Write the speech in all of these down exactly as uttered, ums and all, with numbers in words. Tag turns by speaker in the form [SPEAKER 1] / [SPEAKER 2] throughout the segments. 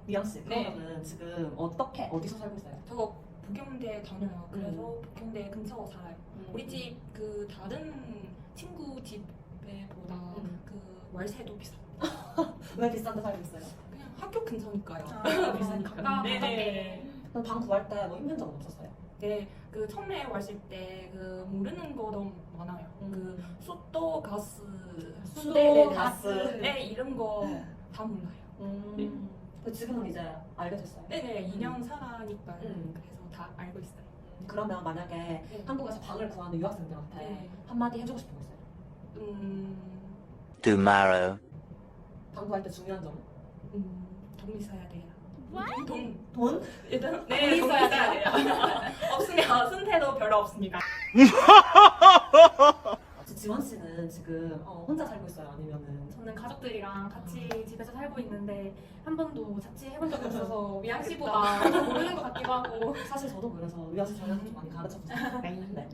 [SPEAKER 1] 미영 씨,
[SPEAKER 2] 네.
[SPEAKER 1] 그러면은 지금 어떻게 어디서 살고 있어요?
[SPEAKER 2] 저 북경대 다녀요. 그래서
[SPEAKER 1] 음.
[SPEAKER 2] 북경대 근처 살아요. 우리 집 그 다른 친구 집에보다
[SPEAKER 1] 음.
[SPEAKER 2] 그 월세도 비싸.
[SPEAKER 1] 왜 비싼 데 살고 있어요?
[SPEAKER 2] 그냥 학교 근처니까요.
[SPEAKER 1] 아, 비싸니까.
[SPEAKER 3] 가까
[SPEAKER 2] 네네.
[SPEAKER 3] 가깝게.
[SPEAKER 1] 그럼 방 구할 때 뭐 힘든 적은 없었어요?
[SPEAKER 2] 네, 그 처음에 왔을 때 그 모르는 거 너무 많아요.
[SPEAKER 1] 음.
[SPEAKER 2] 그 수도 가스,
[SPEAKER 1] 수도,
[SPEAKER 2] 네네네.
[SPEAKER 1] 가스.
[SPEAKER 2] 네, 이런 거 다 몰라요.
[SPEAKER 1] 음. 근데 지금은 이제 알게 됐어요.
[SPEAKER 2] 네네, 이 년 살아니까
[SPEAKER 1] 음.
[SPEAKER 2] 그래서 다 알고 있어요.
[SPEAKER 1] 그러면 만약에
[SPEAKER 2] 네.
[SPEAKER 1] 한국에서 방을 구하는 유학생들한테
[SPEAKER 2] 네.
[SPEAKER 1] 한마디 해주고 싶은 거 있어요?
[SPEAKER 2] 음,
[SPEAKER 4] tomorrow.
[SPEAKER 1] 방 구할 때 중요한 점은?
[SPEAKER 2] 음, 돈 있어야 돼요. 돈,
[SPEAKER 1] 돈?
[SPEAKER 2] 일단 네,
[SPEAKER 3] 돈
[SPEAKER 2] 돈
[SPEAKER 3] 있어야
[SPEAKER 2] 있어야 돼요. 없으면 승태도 별로 없습니다.
[SPEAKER 1] 지원 씨는 지금 어, 혼자 살고 있어요? 아니면은
[SPEAKER 3] 저는 가족들이랑 같이 집에서 살고 있는데 한 번도 자취해본 적이 없어서 미양 씨보다 더 모르는 것 같기도 하고.
[SPEAKER 1] 사실 저도 그래서 위아서 저희한테 좀 많이 가르쳐주세요. 네.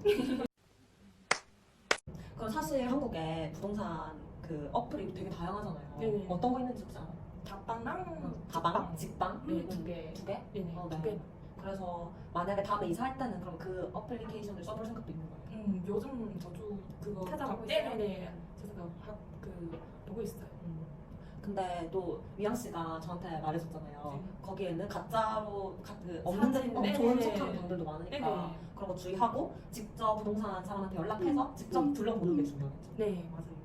[SPEAKER 1] 그럼 사실 한국에 부동산 그 어플이 되게 다양하잖아요.
[SPEAKER 2] 네네.
[SPEAKER 1] 어떤 거 있는지 혹시 알아요?
[SPEAKER 2] 다방랑
[SPEAKER 1] 다방? 직방?
[SPEAKER 2] 네, 두 개.
[SPEAKER 1] 두 개?
[SPEAKER 2] 네네,
[SPEAKER 1] 어,
[SPEAKER 2] 두
[SPEAKER 1] 네.
[SPEAKER 2] 개.
[SPEAKER 1] 그래서 만약에 다음에 이사할 때는 그럼 그 어플리케이션을 써볼 생각도 있는 거예요?
[SPEAKER 2] 음, 요즘 저도 그거
[SPEAKER 3] 찾아보고
[SPEAKER 2] 네네네.
[SPEAKER 3] 있어요?
[SPEAKER 2] 제가 학, 그 보고 있어요.
[SPEAKER 1] 음. 근데 또 미양 씨가 저한테 말해줬잖아요.
[SPEAKER 2] 네.
[SPEAKER 1] 거기에는 가짜로 가, 그 없는 데
[SPEAKER 2] 사진,
[SPEAKER 1] 어,
[SPEAKER 2] 네네.
[SPEAKER 1] 좋은 척하는 분들도 많으니까
[SPEAKER 2] 네네.
[SPEAKER 1] 그런 거 주의하고 직접 부동산 사람한테 연락해서 직접 둘러보는 게 중요하겠죠.
[SPEAKER 2] 네, 맞아요.